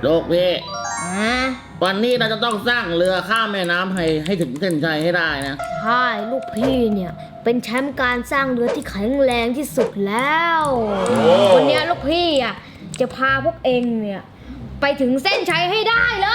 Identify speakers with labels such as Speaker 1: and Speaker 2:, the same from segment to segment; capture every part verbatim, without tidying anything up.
Speaker 1: ลูกพี่
Speaker 2: อ่า
Speaker 1: วันนี้เราจะต้องสร้างเรือข้ามแม่น้ำให้ให้ถึงเส้นชัยให้ได้นะ
Speaker 2: ใช่ลูกพี่เนี่ยเป็นแชมป์การสร้างเรือที่แข็งแรงที่สุดแล้ววันนี้ลูกพี่อ่ะจะพาพวกเองเนี่ยไปถึงเส้นชัยให้ได้เลย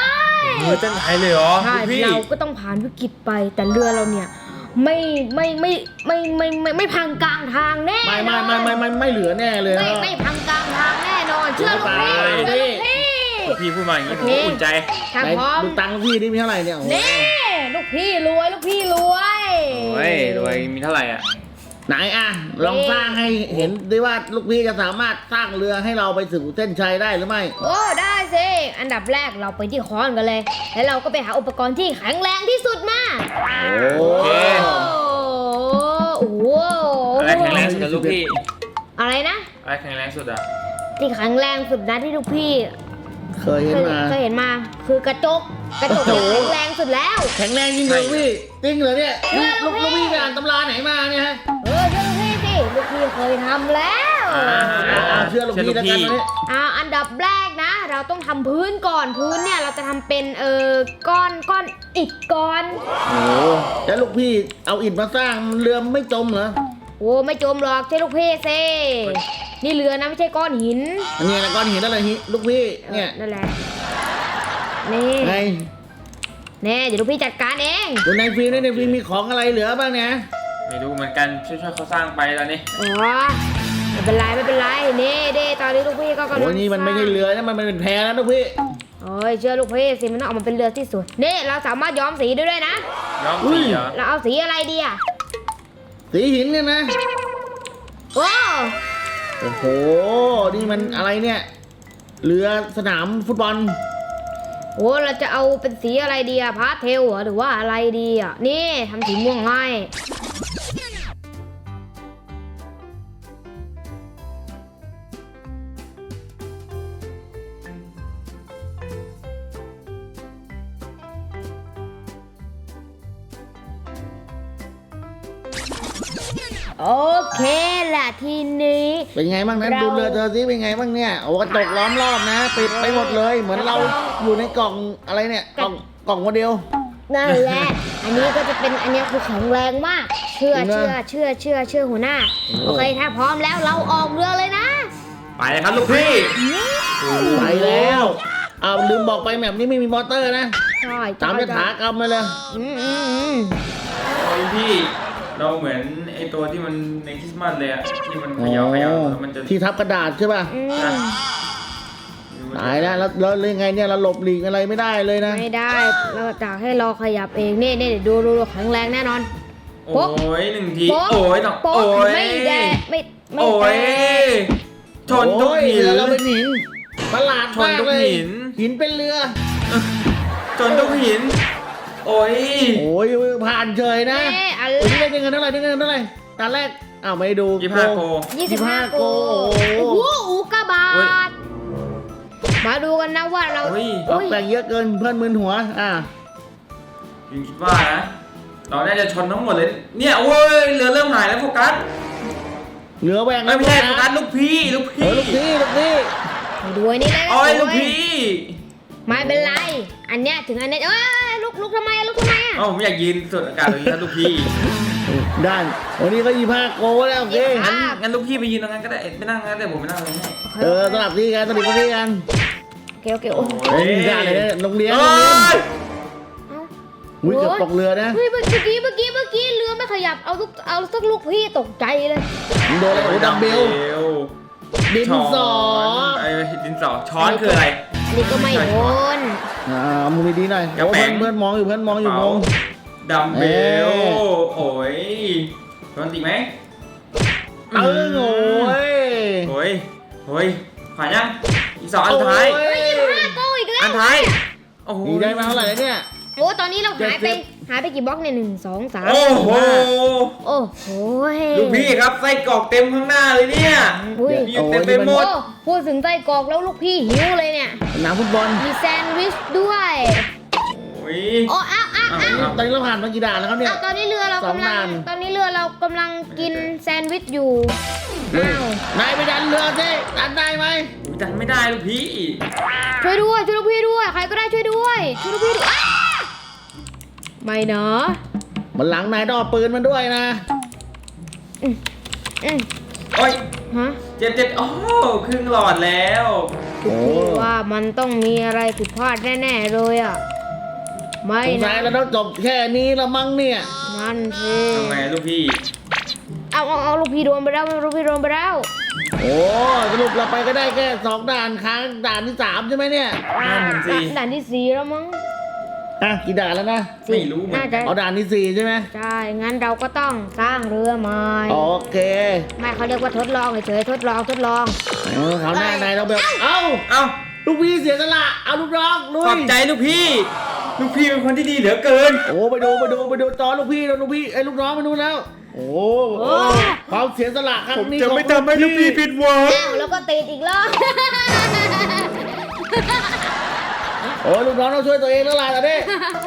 Speaker 3: เรือเส้นชัยเลยเหรอ
Speaker 2: ใช่
Speaker 3: พี่
Speaker 2: เราก็ต้องผ่านวิกฤตไปแต่เรือเราเนี่ยไม่ไม่ไม่ไม่ไม่ไม่ไม่พังกลางทางแน่
Speaker 1: ไม่ไม่ไม่ไม่ไม่ไม่เหลือแน่เลย
Speaker 2: ไม่
Speaker 1: นะ
Speaker 2: ไม่พังกลางทางแน่นอนเชื่อลูกพี่
Speaker 1: เชื่
Speaker 2: เชื่อ
Speaker 1: อ
Speaker 2: ลูก
Speaker 1: พี่
Speaker 2: พี่
Speaker 3: พี่พูดมาอย่างนี้ผม
Speaker 2: โอเค
Speaker 3: ก็อุ่นใจ
Speaker 2: ถ้า
Speaker 1: ไหน
Speaker 2: พร้อม
Speaker 1: ดูตังค์พี่นี่มีเท่าไหร่เนี่ยโอ้โห
Speaker 2: นี่ลูกพี่รวยลูกพี่รวย
Speaker 3: โอ้ยรวยมีเท่าไหร่อ่ะ
Speaker 1: ไหนอ่ะลองสร้างให้เห็นดิว่าลูกพี่จะสามารถสร้างเรือให้เราไปถึงเส้นชัยได้หรือไม่
Speaker 2: โอ้ได้สิอันดับแรกเราไปที่ค้อนกันเลย แล้วเราก็ไปหาอุปกรณ์ที่แข็งแรงที่สุดมา
Speaker 1: โอ้
Speaker 3: เค
Speaker 2: โอ้โห
Speaker 3: อะไรแข็งแรงสุดอะลูกพี่
Speaker 2: อะไรนะ
Speaker 3: อะไรแข็งแรงสุดอ่ะ
Speaker 2: ที่แข็งแรงสุดนะที่ลูกพี่
Speaker 1: เคยเห็นมา
Speaker 2: เคยเห็นมาคือกระจกกระจกเนี่ยแข็งแรงสุดแล้ว
Speaker 1: แข็งแรงจริงเหรอพี่จริงเหรอเนี่ย
Speaker 2: เชื่อ
Speaker 1: ลูก
Speaker 2: ลู
Speaker 1: ลู
Speaker 2: ก
Speaker 1: ก
Speaker 2: พี่
Speaker 1: พี่ไปอ่านตำราไหนมาเนี่ยฮะ
Speaker 2: เออเชื่อลูกพี่สิลูกพี่เคยทำแล้ว
Speaker 3: อ่า
Speaker 1: อ่าเชื่อลูกพี่แล้วกันวันนี้
Speaker 2: อ่าอันดับแรกนะ เราต้องทำพื้นก่อนพื้นเนี่ยเราจะทำเป็นเออก้อนก้อนอิฐก้อน
Speaker 1: โอ้โหแล้วลูกพี่เอาอิฐมาสร้างเรือไม่จมเหรอ
Speaker 2: โอ้ไม่จมหรอกใช่ลูกพี่สินี่เรือนะไม่ใช่ก้อนหิน
Speaker 1: อันนี้นะก้อนหินอะไรฮิลูกพี่เนี่ย
Speaker 2: นั่นแหละนี่
Speaker 1: ไง
Speaker 2: แน่เดี๋ยวลูกพี่จัดการเอง
Speaker 1: ดูในฟิล์มในฟิล์มมีของอะไรเหลือบ้างเนี่ย
Speaker 3: ไม่รู้เหมือนกันช่วยๆเขาสร้างไปตอนนี้
Speaker 2: อ๋อไม่เป็นไรไม่เป็นไรนี่เด้ตอนนี้ลูกพี่ก็กำลัง
Speaker 1: โอ้ยนี่มันไม่ใช่เรือนะมันเป็นแพแล้วลูกพี่
Speaker 2: โอ้ยเชื่อลูกพี่สิมันต้องออกมาเป็นเรือที่สวยนี่เราสามารถย้อมสีได้ด้วยนะ
Speaker 3: ย้อมสีเหรอ
Speaker 2: เราเอาสีอะไรดีอ่ะ
Speaker 1: สีหินเนี่ยนะ
Speaker 2: โอ้
Speaker 1: โอ้โหนี่มันอะไรเนี่ยเรือสนามฟุตบอล
Speaker 2: โหเราจะเอาเป็นสีอะไรดีอะพาสเทลเหรอหรือว่าอะไรดีอะนี่ทำสีม่วงให้โอเคแหละทีนี้
Speaker 1: เป็นไงบ้างนั้น
Speaker 2: เรา
Speaker 1: ดูเรือเธอสิเป็นไงบ้างเนี่ยโอ้กระจกล้อมรอบนะปิดไปหมดเลย เหมือนเราอยู่ในกล่องอะไรเนี่ยกล่องกล่องโมเดล
Speaker 2: นั่นแหละ อันนี้ก็จะเป็นอันนี้คือแข็งแรงมาก เชื่อ
Speaker 1: จริง
Speaker 2: เชื่อ
Speaker 1: นะ
Speaker 2: เชื่อ เชื่อ เชื่อหัวหน้า โอเค ถ้าพร้อมแล้วเราออกเรือเลยนะ
Speaker 3: ไปเลยครับลูกพี่
Speaker 1: ไปแล้วเอาลืมบอกไปแบบนี้ไม่มีมอเตอร์นะ
Speaker 2: ใช่
Speaker 1: ตามยถากรรมมาเลย
Speaker 2: อืมอืมอืม
Speaker 3: โอ้ยพี่เราเหมือนไอตัวที่มันในคริสต์มาสเลยอะที่มันเขย่าเขย่าแล้วมันจะ
Speaker 1: ที่ทับกระดาษใช่ป่ะ
Speaker 2: อืม
Speaker 3: อ่ะ
Speaker 1: ตายแล้วแล้วแล้วยังไงเนี่ยเราหลบหลีกอะไรไม่ได้เลยนะ
Speaker 2: ไม่ได้ เราจะให้เราขยับเอง นี่นี่เดี๋ยวดูดูดูแข็งแรงแน่นอน
Speaker 3: โอ้ยหนึ่งที
Speaker 2: โป๊ะ
Speaker 3: โอ้ยต้อง
Speaker 2: โป๊ะ
Speaker 3: โอ้ย
Speaker 2: ไม่แดะไม่ไม่
Speaker 3: โอ้
Speaker 2: แต
Speaker 3: ย
Speaker 2: ก
Speaker 3: ชนทุก
Speaker 1: โอ้ย
Speaker 3: หิน
Speaker 1: เรือเราเป็นหินประหลาด
Speaker 3: ชน
Speaker 1: มาก
Speaker 3: ทุก
Speaker 1: เลย
Speaker 3: หิน
Speaker 1: หินเป็นเรือ
Speaker 3: ชนทุกหิน โอ้ย
Speaker 1: โอ้ยผ่านเฉยนะ
Speaker 2: เอ๊ะอะไร
Speaker 1: วันนี้ได้เงินเท่าไหร่ได้เงินเท่าไหร่ตอนแรกอ้าวไม่ดู
Speaker 3: ยี่ห้าโก
Speaker 2: ยี่สิบห้า
Speaker 1: โก
Speaker 2: โอ้โหอุกกาบา
Speaker 3: โอ้ย
Speaker 2: ตมาดูกันนะว่าเรา
Speaker 3: โอ้ย
Speaker 1: เราแต่งเยอะเกินเพื่อนมึนหัวอ่ะ
Speaker 3: ยิงคิดว่านะ เราน่าจะชนทั้งหมดเลย เนี่ยโอ้ยเรือเริ่มหายแล้วโฟกัส
Speaker 1: เหลือแหวง
Speaker 3: ไม่ใช่โฟกัสลูกพี่ลูก
Speaker 1: เอ
Speaker 3: พี่
Speaker 1: อลูกพี่ลูกพี่
Speaker 2: ดูไอ้นี่เลย
Speaker 3: โอ้ย
Speaker 2: ดู
Speaker 3: ลูก
Speaker 2: ไว้
Speaker 3: พี่
Speaker 2: ไม่เป็นไร อันเนี้ยถึงอันเนี้ยเอ้ยลุกลุกทำไมลุกทำไมอ่ะ
Speaker 3: เอ้าผมอยากยืนสูดอากาศตรงนี้นะลูกพี่
Speaker 1: ได้วันนี้ก็ยี่ห้าโกแล้วโอเค
Speaker 3: งั้นงั้นลูกพี่ไปยืนตรงนั้นก็ได้ไม่นั่งงั้นเดี๋ยวผมไปนั่งตรงนี้
Speaker 1: เออสลับที่กันสลับที่กัน
Speaker 2: โอเคโอเคโอ้
Speaker 1: เฮ้ยได้เลยนะโรงเรียน
Speaker 3: โอ้
Speaker 1: โรงเรียน
Speaker 3: ย
Speaker 1: อุ้ยเกือบตกเรือนะ
Speaker 2: เฮ้ยเมื่อกี้เมื่อกี้เมื่อกี้เรือไม่ขยับเอาลูกเอาสักลูกพี่ตกใจเลย
Speaker 1: โดนอะไรโอ้ดัมเบลดิน
Speaker 3: ช้อน
Speaker 1: สอ
Speaker 3: ไอ้ดินสอช้อนคืออะไร
Speaker 2: อันนี้ก็ไม่โดน
Speaker 1: อ่ามือดีๆหน่อย
Speaker 3: กระ
Speaker 1: โอ้
Speaker 3: แป๋
Speaker 1: เพื่อง นเพื่อนมองอยู่เพื่อนมองอยู่งง
Speaker 3: ดัมเบล
Speaker 1: เอ้ย
Speaker 3: โอ้ยโดนตีไหม
Speaker 1: เออโอ้ย
Speaker 3: โอ้ยโอ้ยผ่านยังอีกสองอันท้าย
Speaker 1: โอ้
Speaker 2: ยี่สิบห้าโกอีกแล้ว
Speaker 3: อันท้ายโอ้โห
Speaker 1: นี่ได้มาเท่าไหร่แล้วเนี่ย
Speaker 2: โอ้ตอนนี้เราหายไป
Speaker 1: เจ็ดสิบ
Speaker 2: หายไปกี่บล็อกเนี่ยหนึ่งสองสาม
Speaker 3: โอ้โห
Speaker 2: โอ้โห
Speaker 3: ลูกพี่ครับไส้กรอกเต็มข้างหน้าเลยเนี่ย
Speaker 2: อุ้ย
Speaker 3: มีอยู่เต็มไปหม
Speaker 2: โอ้
Speaker 3: ด
Speaker 2: พูดถึงไส้กรอกแล้วลูกพี่หิวเลยเนี่ย
Speaker 1: สนามฟุตบอล
Speaker 2: มีแซนด์วิชด้วย
Speaker 3: โอ้ย
Speaker 2: โอ้อ้าวอ้าวอ้าว
Speaker 1: ตอนนี้เราผ่านมากี่ด่านแล้วครับเนี่ย
Speaker 2: อ้าวตอนนี้เรือเรา
Speaker 1: สอง
Speaker 2: กำลั
Speaker 1: ด่าง น
Speaker 2: ตอนนี้เรือเรากำลังกินแซนด์วิชอยู่อ้าวน
Speaker 1: ายไปดันเรือสิดันได้ไหม
Speaker 3: ดันไม่ได้ลูกพี่
Speaker 2: ช่วยด้วยช่วยลูกพี่ด้วยใครก็ได้ช่วยด้วยช่วยลูกพี่ด้วยอ้าไม่นะ
Speaker 1: มันหลังนายต้องเอาปืนมันด้วยนะ
Speaker 2: อืมอืม
Speaker 3: โอ้ย
Speaker 2: ฮะ
Speaker 3: เจ็บเจ็บโอ้ครึ่งหลอดแล้ว
Speaker 1: โอ้
Speaker 2: พี่ว่ามันต้องมีอะไรผิดพลาดแน่ๆเลยอ่ะไม่
Speaker 1: สงสั
Speaker 2: นะ
Speaker 1: ยเราต้องจบแค่นี้ละมั้งเนี่ย
Speaker 2: นั่นสิ
Speaker 3: ทำไงลูกพี่
Speaker 2: เอาเอาเอาลูกพี่โดนไปแล้วลูกพี่โดนไปแล้ว
Speaker 1: โอ้สรุปเราไปก็ได้แค่สองด่านค้างด่านที่สามใช่ไหมเนี่ย
Speaker 3: นั่นสิ
Speaker 2: ด่านที่สี่แล้วมั้ง
Speaker 1: อ่ะกี่ด่านแล้วนะ
Speaker 3: ไม่รู้เหมือน
Speaker 2: น่า
Speaker 3: กั
Speaker 2: จะ
Speaker 3: น
Speaker 1: เอาด่านที่สี่ใช่ไหม
Speaker 2: ใช่งั้นเราก็ต้องสร้างเรือใหม่
Speaker 1: โอเค
Speaker 2: ไม่เขาเรียกว่าทดลองเฉยๆทดลองทดลอง
Speaker 1: เออเขาวหน้านายเราแบบเอ้า
Speaker 3: เอ้า
Speaker 1: ลูกพี่เสียสละเอาลูกน้องลุ
Speaker 3: ขอย บใจลูกพี่ ลูกพี่เป็นคนที่ดีเหลือเกิน
Speaker 1: โอ้ไปดูไปดูไปดูจอลูกพี่แล้วลูกพี่ไอ้ลูกน้องมาดูแล้ว โอ้ความเสียสละครั้งนี้ของ
Speaker 3: หวัง
Speaker 2: อ้าวแล้วก็ติดอีกรอบ
Speaker 1: โอ้ลูกน้องต้องช่วยตัวเองแล้วล่ะตอนนี้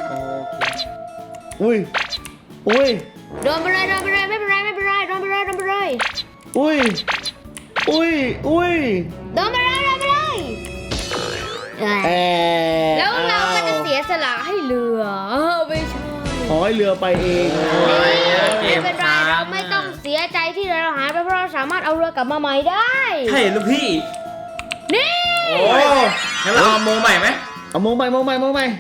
Speaker 1: อุ้ยอุ้ย
Speaker 2: โดนไปเลยโดนไปเลยไม่เป็นไรไม่เป็นไรโดนไปเลยโดนไปเลย
Speaker 1: อุ้ยอุ้ยอุ้ย
Speaker 2: โดนไปเลยโดนไปเลยเอ้ย
Speaker 1: แอ
Speaker 2: แล้วเราก็จะเสียสละให้เรือเออไม่ใช่
Speaker 1: ขอให้เรือไปเอง
Speaker 3: โอ้ย
Speaker 2: ไม่เป็นไรเราไม่ต้องเสียใจที่เราหายไปเพราะเราสามารถเอาเรือกลับมาใหม่ได้
Speaker 3: ใช่ลูกพี่
Speaker 2: นี่
Speaker 3: โอ้งั้นเราเอาโมใหม่ไหม
Speaker 1: เอาโมงใหม่โมงใหม่โมงใหม่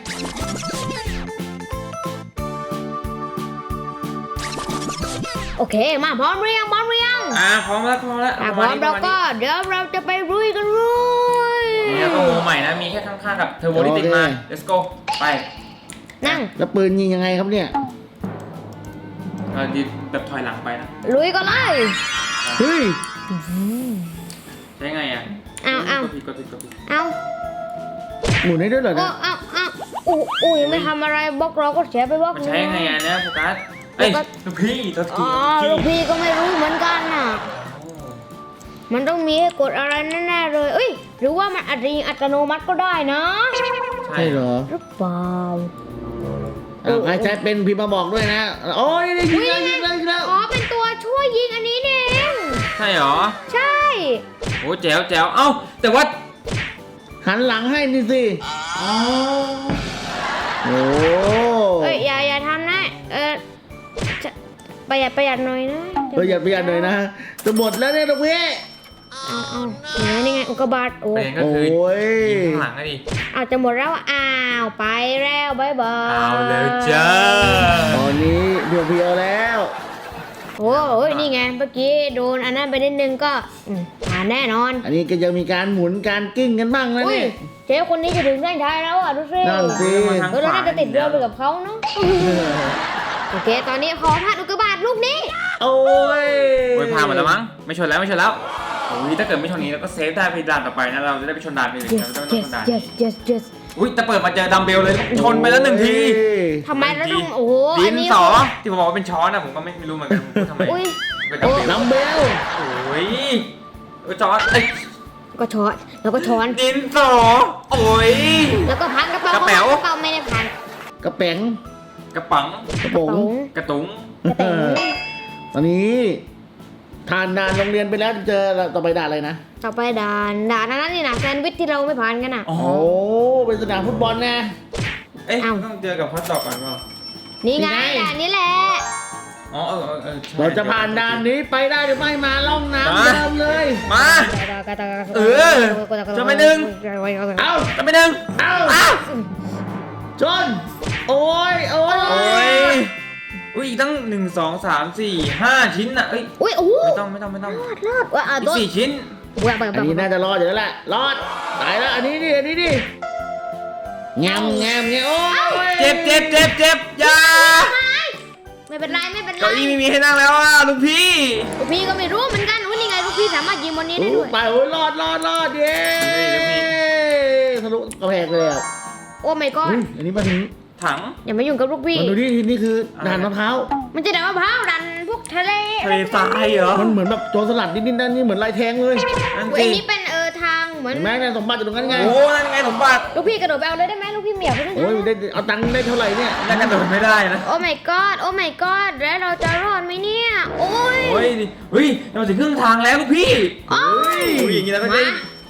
Speaker 2: โอเคมาพร้อมหรือยังพร้อมหรือยัง
Speaker 3: อ่าพร้อมแล้วพร้อมแล้ว
Speaker 2: อ่ะพร้อมเราก็เดี๋ยวเราจะไปรุยกันรุย
Speaker 3: นี่ก็โมใหม่นะ มีแค่ข้างๆกับเทอร์โบที่ติดมา let's go ไป
Speaker 2: นั่ง
Speaker 1: แล้วปืนยิงยังไงครับเนี่ย
Speaker 3: เราดีแบบถอยหลังไปนะ
Speaker 2: ลุยก็เลย
Speaker 1: เฮ้ย
Speaker 3: ใช้ไงอ่ะ
Speaker 2: เอาเอา
Speaker 3: กดผิดกดผิดกดผิด
Speaker 2: เอา
Speaker 1: หมุนได้ด้วยเหรอ
Speaker 2: โอ้
Speaker 1: เนี่ย
Speaker 2: เอาเอาอู้อู้ยังไม่ทำอะไรบล็อกเราก็เสียไปบล็อก
Speaker 3: มัน
Speaker 2: นึง
Speaker 3: ใช้ไงอ่ะเนี่ยโฟกัสเอ้ยลูกพี่ตัว
Speaker 2: อ๋
Speaker 3: ที
Speaker 2: อลูกพี่ก็ไม่รู้เหมือนกันน่ะ มันต้องมีให้กดอะไรแน่ๆเลย เอ้ย หรือว่ามันอาจจะยิงอัตโนมัติก็ได้นะ
Speaker 3: ใช่
Speaker 1: ใช่เหรอ
Speaker 2: หรือเปล่า
Speaker 1: อ่ะใครใช้เป็นพิมพ์มาบอกด้วยนะ โอ้ยได้ยิงแล้วยิงแล้วยิงแล้ว
Speaker 2: อ๋อ เป็นตัวช่วยยิงอันนี้นี่เอง
Speaker 3: ใช่เหรอ
Speaker 2: ใช่
Speaker 3: โอ้แจ๋วแจ๋วเอ้าแต่ว่า
Speaker 1: หันหลังให้นี่สิ
Speaker 3: อ๋อ
Speaker 1: โอ้
Speaker 2: เอ้ย อย่าอย่าทำนะ เออจะประหยัดประหยัดหน่อยนะ
Speaker 1: ประหยัดประหยัดหน่อยนะจะหมดแล้วเนี่ยลูกพี่
Speaker 2: เอาเอานี่ไงนี่ไงอุกกาบาตโอ้
Speaker 3: ประเด็นก็
Speaker 1: โอ้
Speaker 3: คือย ยิงข้างหลังอะดิ
Speaker 2: เอาจะหมดแล้ว อ้าว ไปแล้วบายบาย
Speaker 3: เอาเลยจ้า
Speaker 1: ตอนนี้เพียวเพียวๆแล้ว
Speaker 2: โอ้โหนี่ไง เมื่อกี้โดนอันนั้นไปนิดนึงก็อืมผ่านแน่นอน
Speaker 1: อันนี้ก็ยังมีการหมุนการกิ้งกันบ้างนะ
Speaker 2: อุ้ย
Speaker 1: เนี่ย
Speaker 2: เจ๊คนนี้จะถึงเส้นชัยแล้วอ่ะดูสิ
Speaker 1: นั่นสิ
Speaker 2: เออเราน่าจะติดเรือไปกับเขาเนาะโอเค ตอนนี้ขอพาดอุกกาบาตลูกนี้
Speaker 1: โอ้ย
Speaker 3: โอ้ยผ่านหมดแล้วมั้งไม่ชนแล้วไม่ชนแล้วโอ้ยถ้าเกิดไม่ชนนี้เราก็เซฟได้ไปด่านต่อไปนะเราจะได้ไปชนด่านอื่น
Speaker 2: yes
Speaker 3: เราไม่ต้องช
Speaker 2: yes
Speaker 3: นด่าน
Speaker 2: yes yes yes
Speaker 3: อุ้ยแต่เปิดมาเจอดัมเบลเลยชนไปแล้วหนึ่งที
Speaker 2: ทำไมเราต้องโอ้โห
Speaker 3: ดิ
Speaker 2: อัน
Speaker 3: น
Speaker 2: นี้
Speaker 3: สอที่ผมบอกว่าเป็นช้อนนะผมก็ไม่รู้เหมือนกันผมพูดทำไม
Speaker 2: อุ้ย
Speaker 3: เป็นดัมเบล
Speaker 1: น้ำเบล
Speaker 3: โอ้ยเออจอร์ดเอ้ย
Speaker 2: ก็ช้อนแล้วก็ช้อน
Speaker 3: ดินสอโอ้ย
Speaker 2: แล้วก็พันกระเป๋าก
Speaker 3: ระเป๋า
Speaker 2: กระเป๋าไม่ได้พัน
Speaker 1: กระแป๋ง
Speaker 3: กระปัง
Speaker 1: กระโปรง
Speaker 3: กระตุง
Speaker 2: กระเป๋า
Speaker 1: ตอนนี้ทานด่านโรงเรียนไปแล้วเจอต่อไปด่านอะไรนะ
Speaker 2: ต่อไปด่านด่านนั้นนี่นะแซนด์วิชที่เราไม่ผ่านกันอ่ะ
Speaker 3: อ๋อ
Speaker 1: โอ้เป็นสนามฟุตบอลนะ
Speaker 3: เอ๊ะ
Speaker 2: เอ้า
Speaker 3: ต้องเจอกับฮอตดอกก่อนเปล่า
Speaker 2: นี่ไง
Speaker 1: นี่ไง
Speaker 2: ด่านนี้แหละ
Speaker 3: อ๋อเออเออเออใช่
Speaker 1: เราจะผ่านด่านนี้ไปได้หรือไม่มาล่องน้ำเดิมเลย
Speaker 3: มา เออจะไปหนึ่ง
Speaker 1: เอ้า
Speaker 3: จะไปหนึ่ง
Speaker 1: เอ้า
Speaker 3: อ้าว
Speaker 1: จนโอ้ยโอ้ย
Speaker 3: โอ้ยอุ้ยอีกตั้งหนึ่งสองสามสี่ห้าชิ้นน่ะเอ้ย
Speaker 2: อุ้ยโอ้โห
Speaker 3: ไม่ต้องไม่ต้องไม่ต้อง
Speaker 2: รอดรอดว่าอ่ะ
Speaker 3: อี
Speaker 2: ตั
Speaker 3: ก
Speaker 2: ว
Speaker 3: สี่ชิ้น
Speaker 2: เบื่อเบื่อ
Speaker 1: อัน
Speaker 2: เบื่
Speaker 1: นี้
Speaker 2: อ
Speaker 1: น่าจะรอดอยู่แล้วแหละรอดตายแล้วอันนี้ดิอันนี้ดิแงมแงมแงมโอ้ย
Speaker 3: เจ็บเจ็บเจ็บเจ็บอยา
Speaker 2: ไม่เป็นไรไม่เป็นไร
Speaker 3: เก้าอี้ไม่มีให้นั่งแล้วอ่ะลุงพี่
Speaker 2: ลูกพี่ก็ไม่รู้เหมือนกันอุ้ยนี่ไงลูกพี่สามารถยิงบนนี้ได้ด้วย
Speaker 1: ไปโอ้ยรอดรอดรอดเย้ทะลุกระแพงเลยอ่ะ
Speaker 2: โอ้ไม่ก็
Speaker 1: อุ้ยอันนี้มาถึง
Speaker 3: ถัง
Speaker 2: อย่ามายุ่งกับลูกพี่
Speaker 1: มาดูที่นี่คือด่านมะพร้าว
Speaker 2: มันจะด่ามะพร้าวดันพวกทะเล
Speaker 3: ทะเลทรายเหรอ
Speaker 1: มันเหมือนแบบโจรสลัดนิดๆนั่นนี่เหมือนลายแทงเลย
Speaker 3: นั่น
Speaker 2: อุ้ย
Speaker 3: สิ
Speaker 2: อันนี้เป็นเออทางเหมือน
Speaker 1: เห็นไหมเนี่ยสมบัติอยู่ตรงนั้นไง
Speaker 3: โอ้นั่นไงสมบัติ
Speaker 2: ลูกพี่กระโดดไปเอาเลยได้ไหมลูกพี่ไม่อยากไปเล่น
Speaker 1: โอ้ยได้เอาตังค์ได้เท่าไหร่เนี่ย
Speaker 3: น่ากระโดดไม่ได้นะ
Speaker 2: โอ้ my god โอ้ my god แล้วเราจะรอดไหมเนี่ย โอ้ย
Speaker 3: โอ้ยดิเฮ้ยเราถึงครึ่งทางแล้วลูกพี่
Speaker 2: โอ้ย
Speaker 3: อุ้ยอย่างนี้เราก็ได้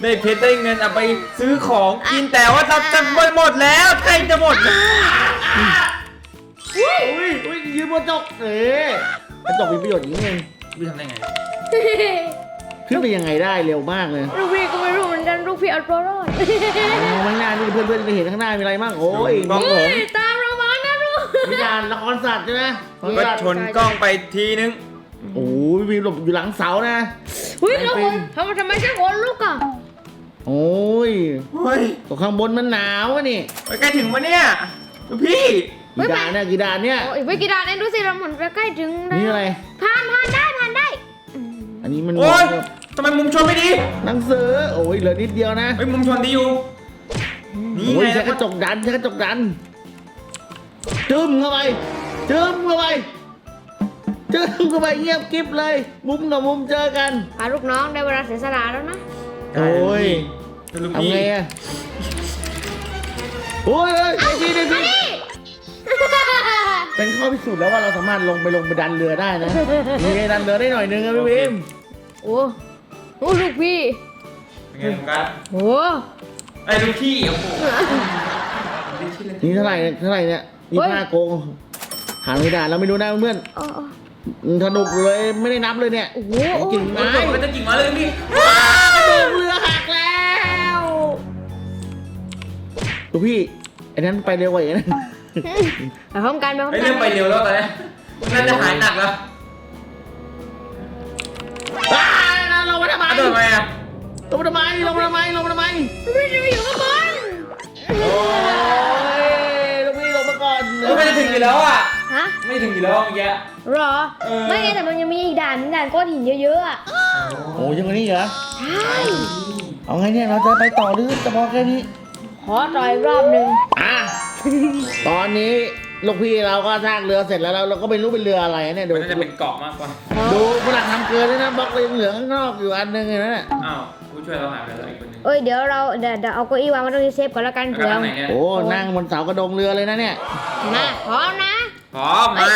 Speaker 3: ได้เพชรได้เงินเอาไปซื้อของกินแต่ว่าเราจะไปหมดแล้วใกล้จะหมดแล้ว
Speaker 1: อุ้ยอุ้ยยืนบนกระจกเอ๊ะกระจกมีประโยชน์อย่างนี้เอง
Speaker 3: พี่ทำได้ไง
Speaker 1: ขึ้นไปยังไงได้เร็วมากเลย
Speaker 2: ลูกพี่ก็ไม่รู้เหมือนกันลูกพี่เอาตัวรอด
Speaker 1: มองข้างหน้านี่เพื่อนๆจะเห็นข้างหน้ามีอะไรบ้างโอ้ยมองผม
Speaker 2: ตามเรามานะลูก
Speaker 1: วิญญาณละครสัตว์ใช่ไหมละคร
Speaker 3: ก็
Speaker 1: สัตว์
Speaker 3: ชนกล้องไปทีนึง
Speaker 1: โอ้ยมีหลบอยู่หลังเสานะ
Speaker 2: เฮ้ยแล้วคนทำไมทำไมใช่คนลูกอ่ะ
Speaker 1: โอ้ย
Speaker 3: เฮ้ย
Speaker 1: ตัวข้างบนมันหนาวอะนี่
Speaker 3: ใกล้ถึงปะเนี่ยพี่
Speaker 1: กี่ดานเนี่ยกี่ดานเนี่ย
Speaker 2: โอ้ยไม่กี่ดานเองดูสิเราเหมือนจะใกล้ถึงแล้ว
Speaker 1: นี่อะไร
Speaker 2: ผ่านผ่านได้ผ่านได้
Speaker 1: อันนี้มัน
Speaker 3: โอ๊ยทำไมมุมชนไม่ดี
Speaker 1: หนังสือโอ้ยเหลือนิดเดียวนะ
Speaker 3: เฮ้ยมุมชนดีอยู่นี่
Speaker 1: โอ้ย
Speaker 3: ไง
Speaker 1: ใช้กระจกดันใช้กระจกดันจึ้มเข้าไปจึ้มเข้าไปจึ้มเข้าไปเงียบกิ๊บเลย มุมกับมุมเจอกัน
Speaker 2: พาลูกน้องได้เวลาเสียสละแล้วนะ
Speaker 1: โอ้ย
Speaker 3: ลูก
Speaker 1: ทำ
Speaker 3: พี่
Speaker 1: ไงอะโอ้ยเอ้ยไอ้พี่ไอ้พี่เป็นข้อพิสูจน์แล้วว่าเราสามารถลงไปลงไปดันเรือได้นะมีไงดันเรือได้หน่อยนึงอะพี่วิม
Speaker 2: โอ้โหลูกพี่
Speaker 3: เป็นไงผมกัน
Speaker 2: โอ้
Speaker 3: ไอ้ลูกพี่โอ้โห
Speaker 1: นี่เท่าไหร่เนี่ยเท่าไหร่เนี่ยนี่ห้าโกงหาไม่ได้เราไม่รู้นะเพื่อน
Speaker 2: โอ้
Speaker 1: สนุกเลยไม่ได้นับเลยเนี่ย
Speaker 2: โอ้โห
Speaker 1: กิ่ง
Speaker 3: ไม้
Speaker 1: ไม้
Speaker 3: มันจะกิ่งมาเลยพี่
Speaker 1: กระโดดเรือหักแล้วดูพี่ไอ้นั้นไปเร็วกว่าอย่างนั้น
Speaker 2: ไปพร้อมกันไปพร้อม
Speaker 3: ไอ้
Speaker 2: กั
Speaker 3: เรื่องไปเร็วแล้วตอนนี้น่าจะหายหนักแล้ว
Speaker 1: อ้าวลงมาทำไม
Speaker 3: อ่ะโดนไหมอ่ะ
Speaker 1: ลงมาทำไมลงมาทำไมลงมาทำไม
Speaker 2: พี่จะไปอยู่ข้างบน
Speaker 1: โอ้ยลูกพี่ลงมาก่อน
Speaker 3: เออไม่จะถึงอยู่แล้วอ่ะ
Speaker 2: ฮะ
Speaker 3: ไม่ถึงอยู่แล้วเมื่อกี้
Speaker 2: หรอ
Speaker 3: เออ
Speaker 2: ไม่ไงแต่มันยังมีอีกด่านหนึ่งด่านก้อนหินเยอะๆอ่ะ
Speaker 1: โอ้ยยังไงนี่เหรอ
Speaker 2: ใช่
Speaker 1: เอาไงเนี่ยเราจะไปต่อหรือจะพอแค่นี้
Speaker 2: ขอต่อยรอบหนึ่ง
Speaker 1: อ่ะตอนนี้ลูกพี่เราก็สร้างเรือเสร็จแล้วเราเราก็ไม่รู้เป็นเรืออะไรเนี่ยดู
Speaker 3: มันน่าจะเป็นเกาะมากกว่า
Speaker 1: ดูฝรั่งทำเกินด้วยนะบล็อกเลยเหลืองข้างนอกอยู่อันหนึงเลยนะ
Speaker 3: อ้าวผู้ช่วยเราหายไปแล้วอีกคนนึง
Speaker 2: เอ้ยเดี๋ยวเราเดี๋ยวเดี๋ยวเอาเก้าอี้วางไว้ตรงนี้เซฟก่อนแล้วกัน
Speaker 3: แล้ว
Speaker 2: เผื่อ
Speaker 3: ทางไหนเนี่ย
Speaker 1: โอ้นั่งบนเสากระดงเรือเลยนะเนี่ย
Speaker 2: มาพร้อมนะ
Speaker 3: พร้อมมา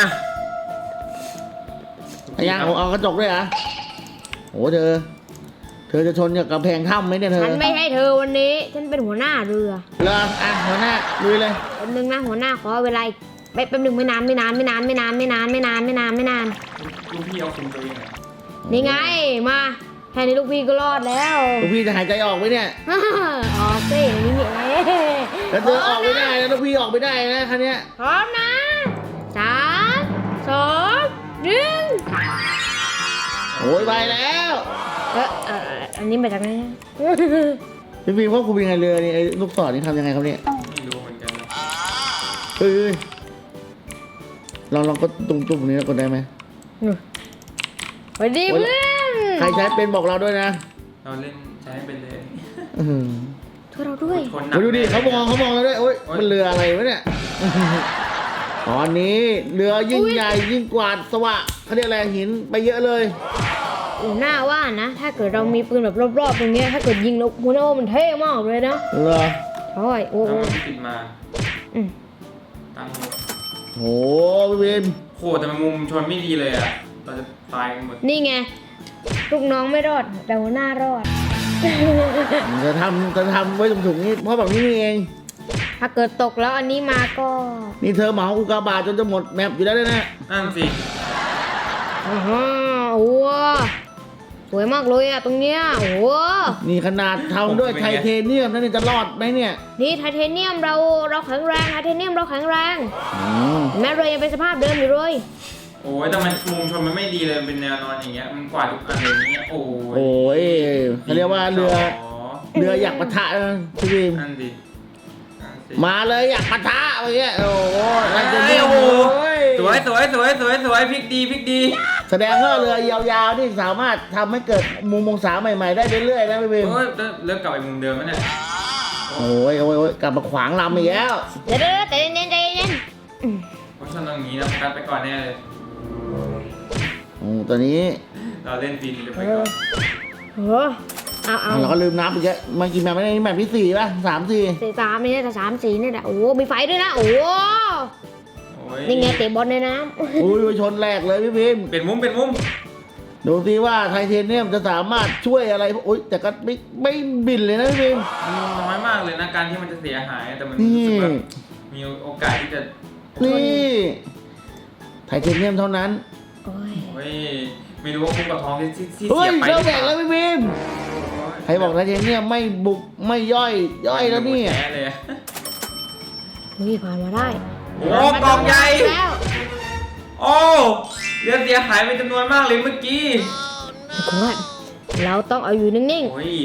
Speaker 1: พยังเอาเอากระจกด้วยเหรอโอ้เธอ เธอจะชนกับกำแพงถ้ำไหมเนี่ยเธอ
Speaker 2: ฉันไม่ให้เธอวันนี้ ฉันเป็นหัวหน้าเรือ
Speaker 1: เรืออ่ะหัวหน้าลุยเลย
Speaker 2: แป๊บนึงนะหัวหน้าขอเวลาอีกไม่แป๊บนึงไม่นานไม่นานไม่นานไม่นานไม่นานไม่นานไม่นานไม่นาน
Speaker 3: ลูกพี่เอาคุมตัวเองหน่อย
Speaker 2: นี่ไงมาแค่นี้ลูกพี่ก็รอดแล้ว
Speaker 1: ลูกพี่จะหายใจออกไหมเนี่ย
Speaker 2: ออกสินี่ไง
Speaker 1: แล้วเธอออกไม่ได้นะลูกพี่ออกไม่ได้นะคันเนี้ย
Speaker 2: พร้อมนะสามสองหนึ่ง
Speaker 1: โอ้ยไปแล้ว
Speaker 2: เออเอออันนี้มาจากไหน
Speaker 1: พี่ฟิล์มควบคุมยังไงเรือนี่ไอ้ลูกศรนี่ทำยังไงครับเนี่ย
Speaker 3: ไม่รู้เหมือนกันนะ
Speaker 1: เฮ้ยเฮ้ยลองลองก็ตรงจุ่มนี้แล้วกดได้ไหม
Speaker 2: สวัสดีเพื่อน
Speaker 1: ใครใช้เป็นบอกเราด้วยนะ
Speaker 3: เราเล่นใช้เป็นเลย
Speaker 1: อื้อหือ
Speaker 2: ช่วยเราด้วย
Speaker 3: คนหนัก
Speaker 1: โอ้ยดูดิเขามองเขามองเราด้วยโอ้ย
Speaker 3: โอ๊ย
Speaker 1: มันเรืออะไรวะเนี่ย ตอนนี้เรือยิ่งใหญ่ยิ่งกว่าสวะเขาเรียกอะไรหินไปเยอะเลย
Speaker 2: หัวหน้าว่านะ ถ้าเกิดเรามีปืนแบบรอบๆตรงเนี้ยถ้าเกิดยิงแล้วหัวหน้าว่ามันเท่มากเลยนะ
Speaker 1: เหรอ
Speaker 2: ใช่โอ้
Speaker 3: แล้ว
Speaker 2: โห
Speaker 3: มันติดมา
Speaker 2: อืม
Speaker 3: ตั้ง
Speaker 1: โหพี่ฟิล์ม
Speaker 3: โหแต่มันมุมชนไม่ดีเลยอ่ะเราจะตายกันหมด
Speaker 2: นี่ไงลูกน้องไม่รอดแต่หัวหน้ารอด
Speaker 1: จะทำจะทำไว้ถุงๆนี่เพราะแบบนี้นี่เอง
Speaker 2: ถ้าเกิดตกแล้วอันนี้มาก็
Speaker 1: นี่เธอเหมาอุกาบาตจนจะหมดแมปอยู่แล้วเนี่ยนะ
Speaker 3: นั่นสิ
Speaker 2: อ๋อโอ้โหสวยมากเลยอะตรงเนี้ยโอ้โห
Speaker 1: นี่ขนาดทำด้วยไทเทเนียมนั่นนี่จะรอดไหมเนี่ย
Speaker 2: นี่ไทเทเนียมเราเราแข็งแรงไทเทเนียมเราแข็งแรง
Speaker 1: อืม
Speaker 2: แม้เรือยังเป็นสภาพเดิมอยู่เลย
Speaker 3: โอ้ยแต่มันมุมชนมันไม่ดีเลยเป็นแนวนอนอย่างเงี้ยมันกวาดทุกอันเลยอย่างเงี้ยโอ้ย
Speaker 1: โอ้ยเขาเรียกว่าเรือเรืออยากปะทะนะพี่ฟิล์ม
Speaker 3: นั่นดินั่นสิ
Speaker 1: มาเลยอยากปะทะอะไรเงี้ยโอ้โหไทเท
Speaker 3: เอ้
Speaker 1: เนี
Speaker 3: ย
Speaker 1: ยม
Speaker 3: โอ้โห
Speaker 1: โอ้ย
Speaker 3: สวยสวยสวยสวยสวยพลิกดีพลิกดี
Speaker 1: แสดงว่าเรือยาวๆนี่สามารถทำให้เกิดมุมมองศาใหม่ๆได้เรื่อยๆนะพี่ฟิล์ม
Speaker 3: โอ้ยเริ่มเริ่มกลับไปมุมเดิมแล้วเนี่ย
Speaker 1: โอ้ยโอ้ยโอ้ยกลับมาขวางลำอีกแล้ว
Speaker 2: เดี๋ยวเดี๋ยวใจเย็นใจเย็นอืม
Speaker 3: เพราะฉะนั้นตรงนี้นะกัดไปก่อนแน่เลย
Speaker 1: โอ้ตอนนี้
Speaker 3: เราเล่นฟินเดี๋ยวไป
Speaker 2: เอ
Speaker 3: ก่อ
Speaker 2: อน เออเอาเอา
Speaker 1: เราก็ลืมนับอีกแล้วมากี่แมปไม่ได้นี่แมปที่สี่ป่ะสามสี่
Speaker 2: สี่สามนี่แต่สามสี่นี่แหละโอ้โหมีไฟด้วยนะโอ้โห
Speaker 3: โอ้ย
Speaker 2: นี่ไงเตะบอลในน้
Speaker 1: อุ้ยชนแรกเลยพี่พิมพ์
Speaker 3: เป็นมุมเป็นมุม
Speaker 1: มดูสิว่าไทเทเนียมจะสามารถช่วยอะไรโอ๊ยแต่ก็ไม่ไม่บินเลยนะพี่บิม
Speaker 3: มันน้อยมากเลยนะการที่มันจะเสียหายแต่มัน
Speaker 1: นี่
Speaker 3: รู้สึกว่ามีโอกาสที่จะ
Speaker 1: นี่ไทเทเนียมเท่านั้น
Speaker 2: โอ้ย
Speaker 3: เฮ้ยไม่รู้ว่าคุ้มกับทองที่ที่ที่
Speaker 1: เฮ้
Speaker 3: เสี
Speaker 1: ย
Speaker 3: ยไป
Speaker 1: เริ่ม
Speaker 3: ห
Speaker 1: แห
Speaker 3: รื
Speaker 1: ว
Speaker 3: อก เป
Speaker 1: แล้
Speaker 3: ล่าว
Speaker 1: พี่บิมใครบอกไทเทเนียมไม่บุกไม่ย่อยย่อยแล้วเนี่ย
Speaker 3: แพ้เลยอะ
Speaker 2: เฮ้ยผ่านมาได้
Speaker 3: โอ้กล่องใหญ่
Speaker 2: แล้ว
Speaker 3: โอ้เรือเสียหายเป็นจำนวนมากเลยเมื่อกี้
Speaker 2: ทุกคนเราต้องเอาอยู่นิ่ง
Speaker 3: โอ้ย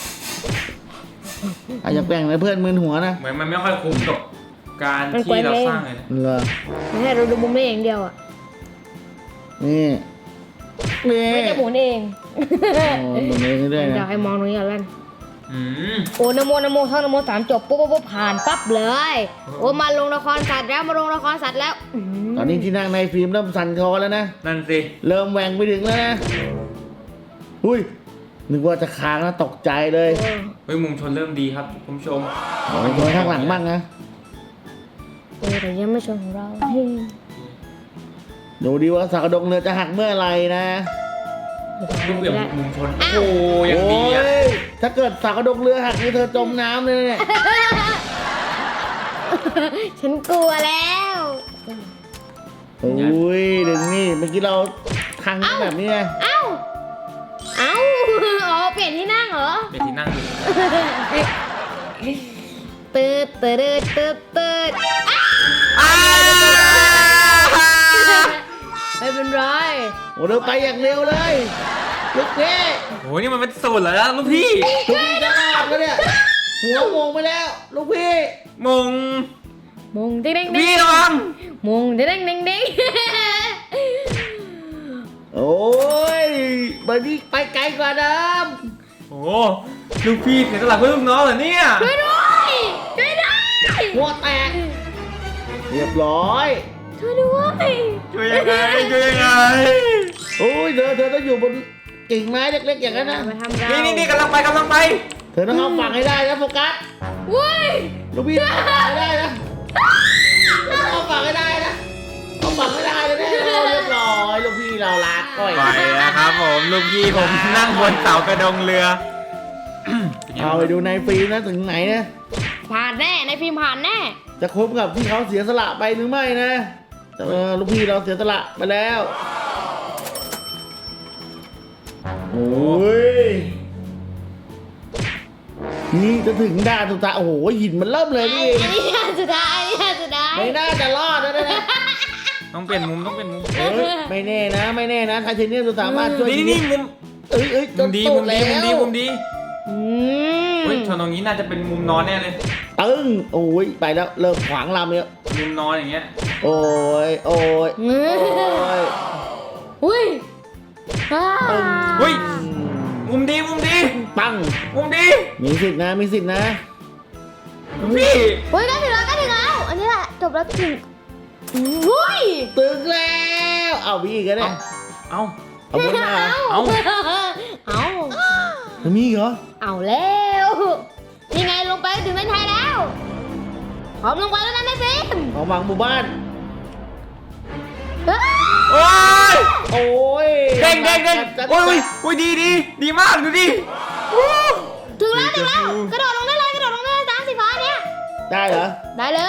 Speaker 1: อาจจะแบ่งให้เพื่อนมึนหัวนะ
Speaker 3: เหมือนมันไม่ค่อยคุ้มกับการที่เราสร้างเลยนะ
Speaker 1: เหรอ
Speaker 2: ๆไม่ให้เราดูมุมนี้อย่างเดียวอ่ะ
Speaker 1: นี่นี่
Speaker 2: ไม่จะหมุนเอง
Speaker 1: โอ้ตรงนี้ด้วย
Speaker 2: อยา
Speaker 1: นะ
Speaker 2: กให้มองตรงนี้ก่อนแล้ว
Speaker 3: อืม
Speaker 2: โอ้นะโมนะโมท่องนะโมสามจบปุ๊บปุ๊บปุ๊บผ่านปั๊บเลย โอ้มาลงละครสัตว์แล้วมาลงละครสัตว์แล้วอื้อหือ
Speaker 1: ตอนนี้ที่นั่งในฟิล์มเริ่มสั่นคอแล้วนะ
Speaker 3: นั่นสิ
Speaker 1: เริ่มแหว่งไปถึงแล้วนะอุ้ยนึกว่าจะค้างแล้วตกใจเลย
Speaker 2: โอ้
Speaker 3: เฮ้ยมุมชนเริ่มดีครับคุณผู้ชม
Speaker 1: เอาไปตัวข้างหลังบ้างนะ
Speaker 2: เออแต่ยังไม่ชนของเราเฮ้ย
Speaker 1: ดูดีว่าสากระดงเรือจะหักเมื่อไหร่นะ
Speaker 3: ลูกเบี่ยง
Speaker 2: ได้
Speaker 3: มุมชนโอ้ยัง
Speaker 1: โอ้
Speaker 3: ดีอ่ะ
Speaker 1: ยถ้าเกิดสากระดงเรือหักนี่เธอจมน้ำเลยนะเนี่ย
Speaker 2: ฉันกลัวแล้ว
Speaker 1: โอ้ยดึงนี่เมื่อกี้เราทางแบบนี้ไง
Speaker 2: เอ้า เอ้า อ๋อ เปลี่ยนที่นั่งเหรอ
Speaker 3: เป็นที่นั่งอยู่
Speaker 2: ตืดตืดตืดตืด
Speaker 3: อ้า
Speaker 2: ไม่เป็นไร
Speaker 1: โอ้เดินไปอย่างเร็วเลยลูกพี่
Speaker 3: โอ้ยนี่มันเป็นสูตรแล้วลูกพี่
Speaker 1: ลูกพี่จะรอดแล้วเนี่ยหัวโมงไปแล้วลูกพี่
Speaker 3: มง
Speaker 2: มงเด้งเด้งเด้
Speaker 3: พี่
Speaker 2: ง
Speaker 3: ระวัง
Speaker 2: มงเด้งเด้งเด้งเด้ง
Speaker 1: โอ้ยบันนี้ไปไกลกว่าเดิม
Speaker 3: โอ้ลูกพี่เสียสละเพื่อลูกน้องเหรอเนี่ย
Speaker 2: ช่วยด้วยช่วยด้วย
Speaker 1: หัวแตกเรียบร้อย
Speaker 2: ช่วยด้วย
Speaker 3: ช่วยยังไงช่วยยังไง
Speaker 1: โอ้ยเธอเธอต้องอยู่บนกิ่งไม้เล็กๆอย่างนั้นนะ
Speaker 2: มาทำเรา
Speaker 3: นี่นี่นี่กำลังไปกำลังไป
Speaker 1: เธอต้องเข้าฝั่งให้ได้นะโฟกัส
Speaker 2: วุ้ย
Speaker 1: ลูกพี่เข้าฝั่งให้ได้นะเข้าฝั่งให้ได้นะเข้าฝั่งให้ได้เลยแน่เรียบร้อยลูกพี่เราลาก้อย
Speaker 3: ไปแล้วครับผมลูกพี่ผมนั่งบนเสากระดงเรือ
Speaker 1: เอาไปดูในฟิล์มนะถึงไหนนะ
Speaker 2: ผ่านแน่ในฟิล์มผ่านแน่
Speaker 1: จะคุ้มกับที่เขาเสียสละไปหรือไม่นะแต่เออลูกพี่เราเสียสละไปแล้วโอ้ยนี่จะถึงด่านสุดท้ายโอ้โหหินมันเริ่มเลย
Speaker 2: อัน
Speaker 1: นี่
Speaker 2: นี้อันนี้อันสุดท้ายอันนี้อันสุดท้าย
Speaker 1: ไม่น่าจะรอดนะนะ
Speaker 3: ต้องเปลี่ยนมุมต้องเปลี่ยนมุม
Speaker 1: เอ้ยไม่แน่นะ ไม่แน่นะไทเทเนียมจะสามารถช่วย
Speaker 3: นี่นี่มุม
Speaker 1: เอ้ยเอ้ย
Speaker 3: มุมดีมุมดีมุมดีมุมดี
Speaker 2: อืม
Speaker 3: เฮ้ยชนตรงนี้น่าจะเป็นมุมนอนแน่เลย
Speaker 1: ตึ้งโอ้ยไปแล้วเริ่มขวางลำแล้ว
Speaker 3: มุมนอนอย่างเงี้ย
Speaker 1: โอ้ยโอ้ย
Speaker 2: อื
Speaker 1: โอ้
Speaker 2: ม
Speaker 1: ย
Speaker 2: อุ้ยอ่า
Speaker 3: เฮ้ยมุมดีมุมดี
Speaker 1: ปัง
Speaker 3: มุมดี
Speaker 1: มีสิทธินะมีสิทธินะ
Speaker 3: พี่
Speaker 2: เฮ้ยใกล้ถึงแล้วใกล้ถึงแล้ว อันนี้แหละจบแล้วถึงอุ้ย
Speaker 1: ตึงแล้วเอาพี่อีกันเนี่ย
Speaker 3: เอ้า
Speaker 1: เอาบนมา
Speaker 3: เอา
Speaker 2: เอา
Speaker 1: จะมีอีกเหรอ
Speaker 2: เอาแล้วนี่ไงลงไปถึงเส้นชัยแล้วพร้อมลงไปแล้วนะในฟิล์ม
Speaker 1: ของหวังหมู่บ้าน
Speaker 2: เฮ้ย
Speaker 3: โอ้ย
Speaker 1: โอ้ย
Speaker 3: เด้งเด้งเด้ง
Speaker 1: จัด
Speaker 3: โอ้ย
Speaker 1: จัด
Speaker 3: โอ้ยดีดีดีมากดูดิ
Speaker 2: ถึงแล้วถึงแล้วกระโดดลงได้เลยกระโดดลงได้เลยตามสีฟ้าเนี่ย
Speaker 1: ได้เหรอ
Speaker 2: ได้เลย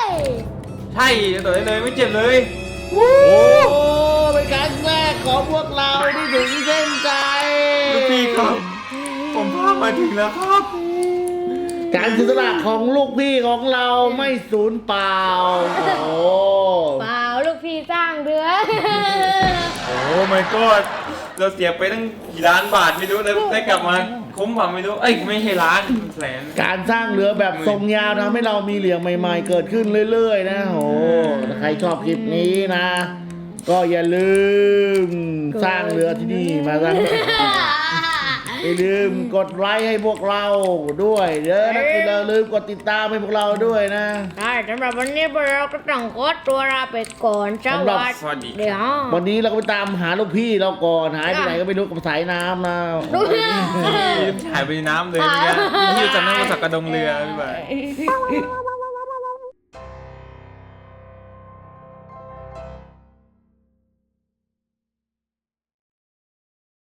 Speaker 3: ใช่ต่อได้เลยไม่เจ็บเลย
Speaker 1: โอ้เป็นครั้งแรกของพวกเราที่ถึงเส้นใจ
Speaker 3: ลูกพี่ครับ ผมพามาถึงแล้วครับ
Speaker 1: การเสียสละของลูกพี่ของเราไม่สูญเปล่า โอ้
Speaker 2: เปล่าลูกพี่สร้างเรือ
Speaker 3: โอ้ my god เราเสียไปตั้งกี่ล้านบาทไม่รู้แล้วได้กลับมาคุ้มกว่าไม่รู้ เอ้ยไม่ใช่ล้านแสน
Speaker 1: การสร้างเรือแบบทรงยาวทำให้เรามีเหลี่ยมใหม่ๆ เกิดขึ้นเรื่อยๆ นะโอ้ถ้าใครชอบคลิปนี้นะ ก็อย่าลืมสร้างเรือที่นี่มาสร้างอย่าลืมกดไลค์ให้พวกเราด้วยเด้อนะอย่าลืมกดติดตามให้พวกเราด้วยนะ
Speaker 2: ใช่สำหรับวันนี้พวกเราก็ต้องขอตัวลาไปก่อนส
Speaker 1: สำหรับ
Speaker 2: วัส
Speaker 3: สวัสดี
Speaker 2: ดีครับ
Speaker 1: วันนี้เราก็ไปตามหาลูกพี่เราก่อนหายไปไหนก็ไม่รู้กับสายน้ำนะ
Speaker 2: ลูกพี่
Speaker 3: หายไปในน้ำเลยเนี่ยพี่จำได้ว่าสักกระดงเรือพี่บ่าย